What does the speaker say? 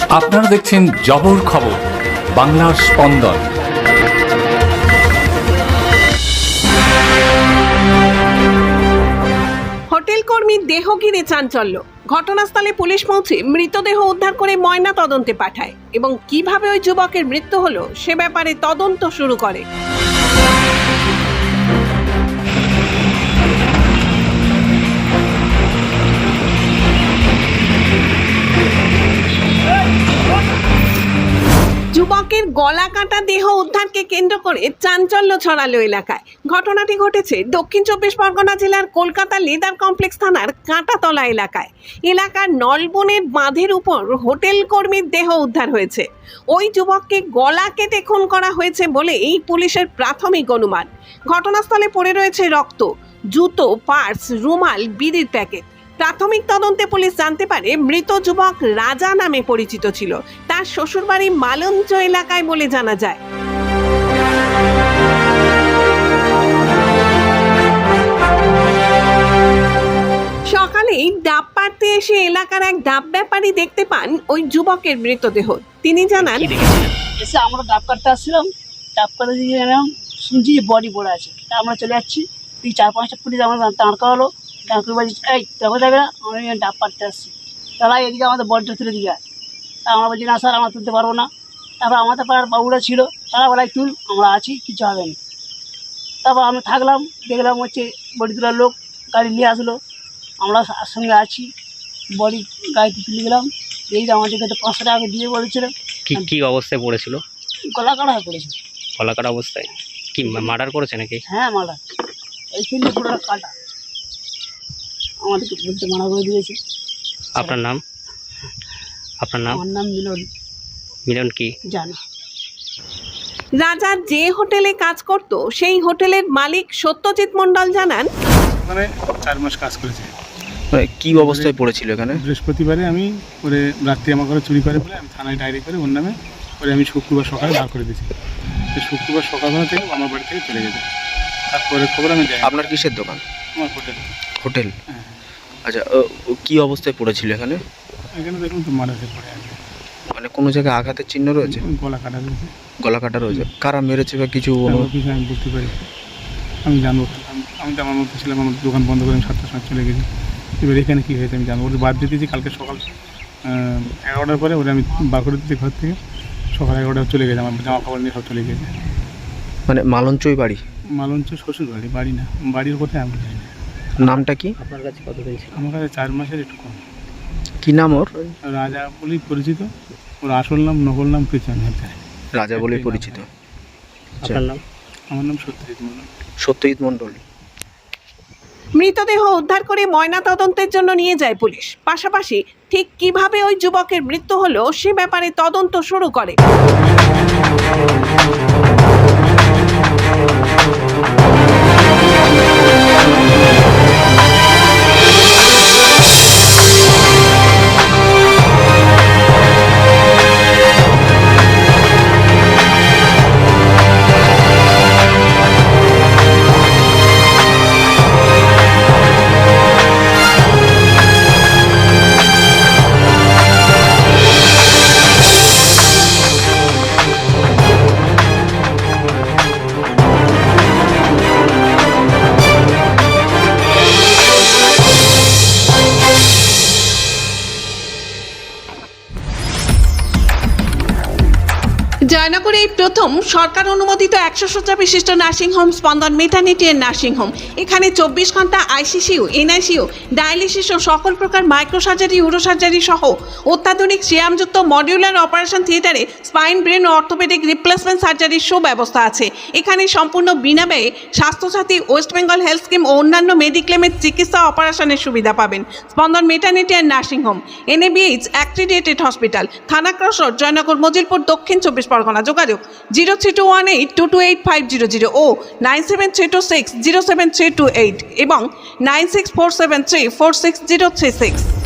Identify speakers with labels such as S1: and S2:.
S1: আপনারা দেখছেন জবর খবর, বাংলার স্পন্দন।
S2: হোটেল কর্মীর দেহ ঘিরে চাঞ্চল্য। ঘটনাস্থলে পুলিশ পৌঁছে মৃতদেহ উদ্ধার করে ময়না তদন্তে পাঠায় এবং কিভাবে ওই যুবকের মৃত্যু হলো সে ব্যাপারে তদন্ত শুরু করে। যুবকের গলা কাটা দেহ উদ্ধারকে কেন্দ্র করে চাঞ্চল্য ছড়ালো এলাকায়। ঘটনাটি ঘটেছে দক্ষিণ 24 পরগনা জেলার কলকাতা লেদার কমপ্লেক্স থানার কাঁটাতলা এলাকায়। এলাকার নলবনের বাঁধের উপর হোটেল কর্মীর দেহ উদ্ধার হয়েছে। ওই যুবককে গলা কেটে খুন করা হয়েছে বলে এই পুলিশের প্রাথমিক অনুমান। ঘটনাস্থলে পড়ে রয়েছে রক্ত, জুতো, পার্স, রুমাল, বিড়ির প্যাকেট। প্রাথমিক তদন্তে পুলিশ জানতে পারে মৃত যুবক রাজা নামে পরিচিত ছিল। তার শ্বশুরবাড়ি মালঞ্চ এলাকায় বলে জানা যায়। সকালেই ডাব পাড়তে এসে এলাকার এক ডাব ব্যাপারী দেখতে পান ওই যুবকের মৃতদেহ। তিনি জানান,
S3: এসে আমরা ডাব কাটতে আসছিলাম, ডাব কাটতে দিয়ে এলাম, শুনছি যে বডি পড়ে আছে। তা আমরা চলে যাচ্ছি, তুই 4-5টা পুলিশ আমার দাঁড় করালো। ডাক্তার বলছি, এই দেখো যাবে না, আমি ডাব কাটতে আসছি, তারা এদিকে আমাদের বডিটা তুলে দিয়ে যায়। তা আমরা বলছি, না স্যার আমরা তুলতে পারবো না। তারপর আমাদের পাড়ার বাবুরা ছিল, তারা বলাই তুল, আমরা আছি, কিছু হবে না। তারপর আমি থাকলাম, দেখলাম হচ্ছে বডি তোলার লোক গাড়ি নিয়ে আসলো, আমরা সঙ্গে আছি, বডি গাড়িতে তুলে গেলাম। এই যে আমাদেরকে তো 500 টাকা দিয়ে বলেছিল।
S4: কি অবস্থায় পড়েছিল?
S3: গলা কাটা হয়ে পড়েছিল।
S4: গলা কাটা অবস্থায়? কি মার্ডার করেছে নাকি?
S3: হ্যাঁ মার্ডার, এইখানে পুরো কাটা, আমাদেরকে বলতে মানা করে দিয়েছে।
S4: আপনার নাম? আপনার নাম?
S3: আমার নাম মিলন।
S4: মিলন কি
S3: জানি।
S2: রাজা যে হোটেলে কাজ করত সেই হোটেলের মালিক সত্যজিৎ মণ্ডল জানান,
S5: ওখানে 4 মাস কাজ করেছে।
S6: কি অবস্থায় পড়েছিল এখানে?
S5: বৃহস্পতিবারে আমি করে রাত্রি আমার ঘরে চুরি করে বলে আমি থানায় ডায়েরি করে ওর নামে করে আমি শুক্রবার সকালে বার করে দিয়েছি। শুক্রবার সকালবেলা থেকে আমার বাড়ি থেকে চলে গেছে। তারপরে খবর আমি যাই।
S6: আপনার কিসের দোকান?
S5: আমার হোটেল।
S6: হোটেল?
S5: হ্যাঁ।
S6: আচ্ছা, কি অবস্থায় পড়েছিল এখানে?
S5: এখানে দেখুন তো মারা পড়ে আছে।
S6: মানে কোনো জায়গায় আঘাতের চিহ্ন রয়েছে?
S5: গলা কাটা রয়েছে।
S6: গলা কাটা রয়েছে? কারা মেরেছে বা কিছু?
S5: কিছু আমি বলতে পারি, আমি জানবো। আমি তো আমার মধ্যে ছিলাম, আমার দোকান বন্ধ করে আমি 7টার সময় চলে গেছি। এবার এখানে কী হয়েছে আমি জানবো। ওদের বাদ দিয়ে দিয়েছি কালকে সকাল 11টার পরে ওরা আমি বার করে দিচ্ছি ঘর থেকে। সকাল 11টায় চলে গেছে, আমার জামা কাপড় নিয়ে সব চলে গেছে।
S6: মানে মালঞ্চই বাড়ি?
S5: মালঞ্চ শ্বশুর বাড়ি, বাড়ি না, বাড়ির কোথায় আমি জানি না।
S6: নামটা কি?
S4: আপনার কাছে কতদিন ছিল?
S5: আমার কাছে 4 মাসের একটু কম।
S6: কি নাম ওর?
S5: রাজা বলেই পরিচিত, ওর আসল নাম নকল নাম কিছু আমি জানি না।
S6: রাজা বলেই পরিচিত।
S4: আপনার নাম?
S5: আমার নাম সত্যজিৎ মণ্ডল।
S6: সত্যজিৎ মণ্ডল।
S2: মৃতদেহ উদ্ধার করে ময়না তদন্তের জন্য নিয়ে যায় পুলিশ। পাশাপাশি ঠিক কিভাবে ওই যুবকের মৃত্যু হলো সে ব্যাপারে তদন্ত শুরু করে। জয়নগরে এই প্রথম সরকার অনুমোদিত 100 শয্যা বিশিষ্ট নার্সিংহোম স্পন্দন মেটার্নিটি এন্ড নার্সিংহোম। এখানে 24 ঘন্টা আইসিসিউ, এনআইসিউ, ডায়ালিসিস ও সকল প্রকার মাইক্রোসার্জারি, ইউরোসার্জারি সহ অত্যাধুনিক সিয়ামযুক্ত মডিউলার অপারেশন থিয়েটারে স্পাইন, ব্রেন ও অর্থোপেডিক রিপ্লেসমেন্ট সার্জারির সুব্যবস্থা আছে। এখানে সম্পূর্ণ বিনা ব্যয়ে Swasthyasathi, West Bengal health scheme ও অন্যান্য মেডিক্লেমের চিকিৎসা অপারেশনের সুবিধা পাবেন। Spandan maternity and nursing home, NABH accredited hospital, থানা ক্রস রোড, জয়নগর, মজিলপুর, দক্ষিণ 24 পরগনা। যোগাযোগ 0321822850 ও 9732607328 এবং 9647346036।